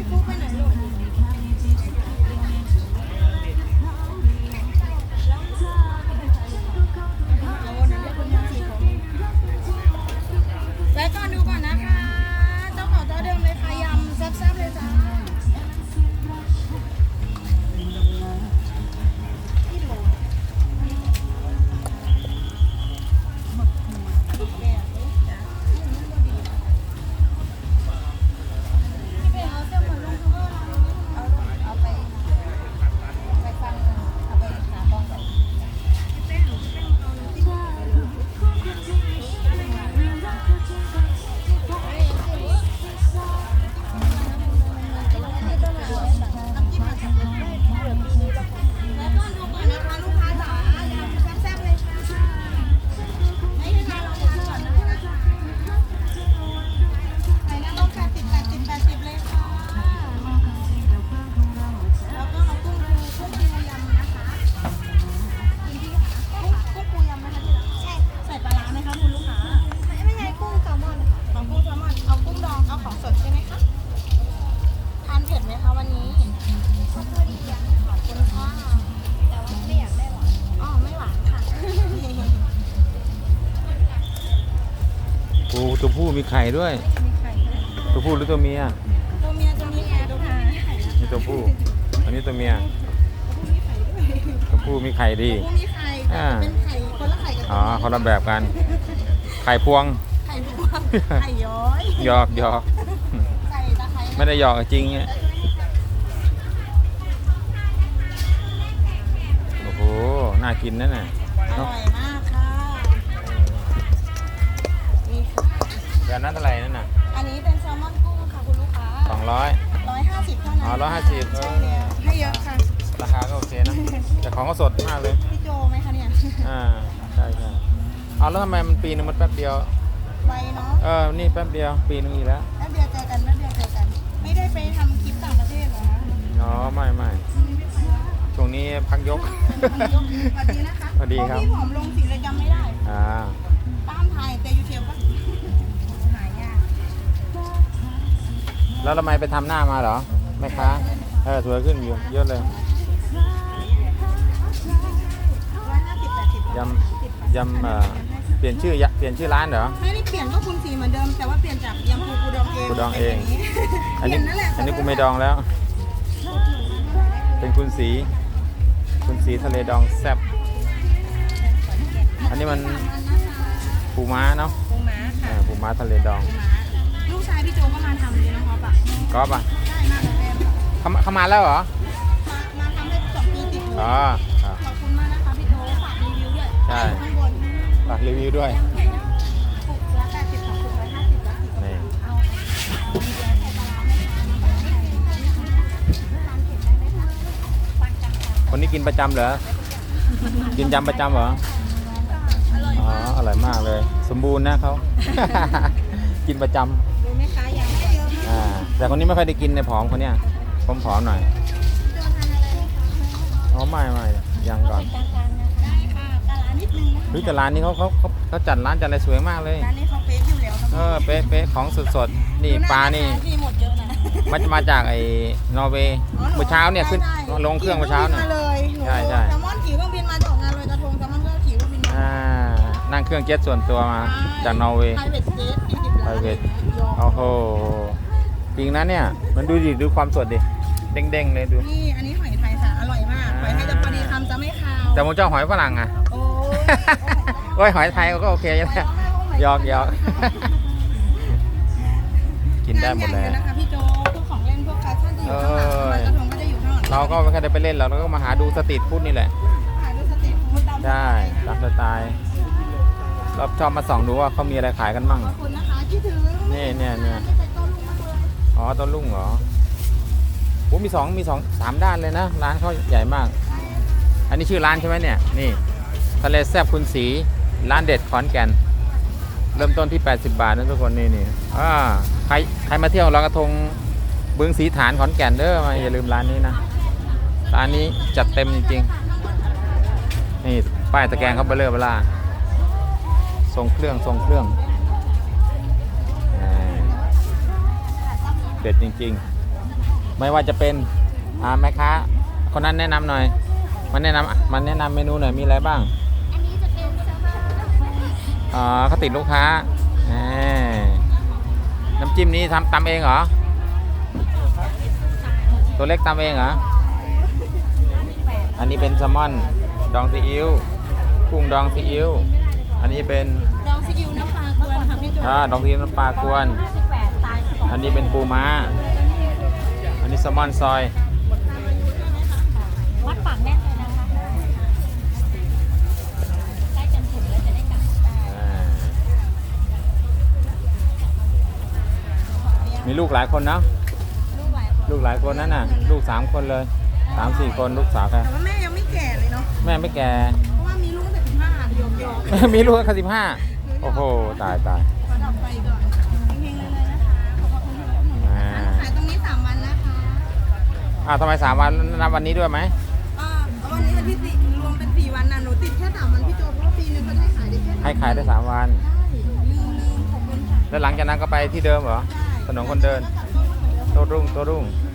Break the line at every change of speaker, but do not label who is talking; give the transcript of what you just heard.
ฟุ๊กไปไหนลูกแวะก่อนดูก่อนนะคะเจ้าของเจ้าเดิมเลยค่ะยำแซ่บๆเลยจ้า
ตัวผู้มีไข่ด้วยตัวผู้หรือตัวเมีย
ตัวเมียตัวนี้ไงตัวผู้
นี่ตัวผู้อันนี้ตัวเมียตัวผู้มีไข่ดี
ตัวผู้มีไข่เป็นไข่คนละไข่กับ
อ๋อคนละแบบกันไข่พวง
ไข่พวงไข่ย้อย
หยอก
ใส่ตะไคร้
ไม่ได้หยอกจริงเนี่ยโอ้โหน่ากินนั่นน่ะ
อร่อยมากค่ะนี่ค่ะ
แบบนั้นเท่าไหร่นั่นน่ะ
อันนี้เป็นแซลมอนกุ้งค่ะคุณลูกค้า150เท่านั้น
อ๋อ150
ใช่แล้วให้เยอะค่ะ
ราคาก็โอเคนะแต่ของก็สดมากเลย
พี่โจไหมคะเนี่ย
ใช่เอาแล้วทำไมมันปีนึงมันแป๊บเดียว
ไวเนาะ
นี่แป๊บเดียวปีนึงอีกแล้ว
แป๊บเดียวเจอกันแป๊บเดียวเจอกันไม่ได้ไปทำคลิปต่างประเทศเหรอ
อ๋อไม่ช่วงนี้พักยก
สวัสดีนะคะ
สวัสดีครับ
พี่ผอมลงสีเลยจำไม่ได้ต้านไทยแต่ยูเทียบปะหายาก
แล้วทำไมไปทำหน้ามาเหรอแม่ค้าสวยขึ้นอยู่เยอะเลยยำเปลี่ยนชื่อร้านเหรอ
ไม่ได้เปลี่ยนก็คุณสีเหมือนเดิมแต่ว่าเปลี่ยนจากยำปูดองเอง
อันนี้กูไม่ดองแล้วเป็นคุณสีทะเลดองแซ่บอันนี้มันปูม้าเนาะ
ปูม้าค่ะ
ปูม้าทะเลดอง
ลูกชายพี่โจก็มาทำเลยนะครับ
ก๊อฟ
ได้มากเลย
เขามาแล้วเหรอ
มาทำได้2 ปีติดขอบคุณมากนะคะพี่โจฝากรีวิวด้วย
ใช่
ข้างบน
ฝากรีวิวด้วย
ปุกละ80 ของปุกละ50
นี่คนนี้กินประจำเหรอกินยำประจำเหรออร่อยมากเลยสมบูรณ์นะเขา กินประจำ
ดูไหมคะยังไม่เยอะมาก
แต่คนนี้ไม่ค่อยได้กินในผอมคนเนี้ยผอมหน่อยไม่ยังก่อน
ได้ค่ะตลาดนิดนึงนะ
แต่ร้านนี้เขาจัดร้านจัดอะไรสวยมากเลย
ร้านนี้เขาเป๊ะอยู่แล้ว
เป๊ะของสดนี่ปลานี่
หมดเยอะนะ
มาจากไอ้นอร์เวย์เมื่อเช้าเนี่ยขึ้นลงเครื่องเมื่อเช้าเนี่ย
ใช่แซลมอนขี่เครื่องบินมาจากงานลอยกระทงแซลมอนก็ขี่เครื่องบินมา
นั่งเครื่องเจ็ตส่วนตัวมาจากนอร์เวย์
ไพรเวท
โอ้โหจริงนะเนี่ยมันดูความสดดิเด้งเลยดู
นี่อันนี้หอยไทยค่ะอร่อยมากหอยไทยจะพอดีคำจะไม่คาว
แต่ผมเจ้าหอยฝรั่งอ่ะโอ้ยหอยไทยก็โอเคแล้วหยอกกินได้หมดเลย
นะคะพี่โจพวกของเล่นพวกแฟชั่นจะอยู่ข้างหลังลอยกระทงก็จะอยู่ข้างหลัง
เราก็ไม่ค่อยได้ไปเล่นเราก็มาหาดูสตรีทฟู้ดนี่แหละ
หาดูสตรีทฟู้ด
ใช่ตามสไตล์เราชอบมาส่องดูว่าเขามีอะไรขายกันมั่ง
ขอบคุณนะคะคิดถึง
เนี่ยต้นลุ่งเหรอโอ้มี3 ด้านเลยนะร้านเขาใหญ่มากอันนี้ชื่อร้านใช่ไหมเนี่ยนี่ทะเลแซ่บคุณสีร้านเด็ดขอนแก่นเริ่มต้นที่80 บาทนะทุกคนนี่ใครมาเที่ยวลอยกระทงบึงสีฐานขอนแก่นมาอย่าลืมร้านนี้นะร้านนี้จัดเต็มจริงๆนี่ป้ายตะแกรงเขาเบลอทรงเครื่องเด็ดจริงๆไม่ว่าจะเป็นแม่ค้าคนนั้นแนะนำหน่อยมันแนะนำเมนูหน่อยมีอะไรบ้าง
อันนี้จะเป็นแซลมอน
เขาติดลูกค้าน้ำจิ้มนี้ตำเองเหรอตัวเล็กตำเองเหรออันนี้เป็นแซลมอนดองซีอิ๊วกุ้งดองซีอิ๊วอันนี้เป็น
ดองซีอิ๊วน้ำปลากวนค่ะพี่โจ
ดองซีอิ๊วน้ำปลากวน
58ตาย2
อันนี้เป็นปูม้าอันนี้แซลมอนซอย
วัดปากแน่นเลยนะคะใกล้จนถึงแล้วจะได้กลับได้
มีลูกหลายคนนะ
ลูกหลายคน
ลูกหลายคนนั่นน่ะลูก3 คนเลย3-4 คนลูกสาวแก
แต่ว่าแม่ยังไม่แก่เลยเนาะ
แม่ไม่แก่
เพราะว่ามีลูกแต่15โยก
มีลูกแค่15โอ้โหตาย
ขอดับไฟก่อนเฮงๆเลยนะคะขอบคุณที่รับหนุนนะคะขายตรงนี้3 วันนะคะ
ทำไม3 วันนับวันนี้ด้วยไหม
วันนี้วันที่4รวมเป็น4 วันนะหนูติดแค่3 วันพี่โจเพราะว่าปีนึงเขาได้ขายได้แค่
ให้ขายได้3 วัน
ลืมขอบคุณค่ะ
แล้วหลังจากนั้นก็ไปที่เดิมเหรอถนนคนเดินโต้รุ่ง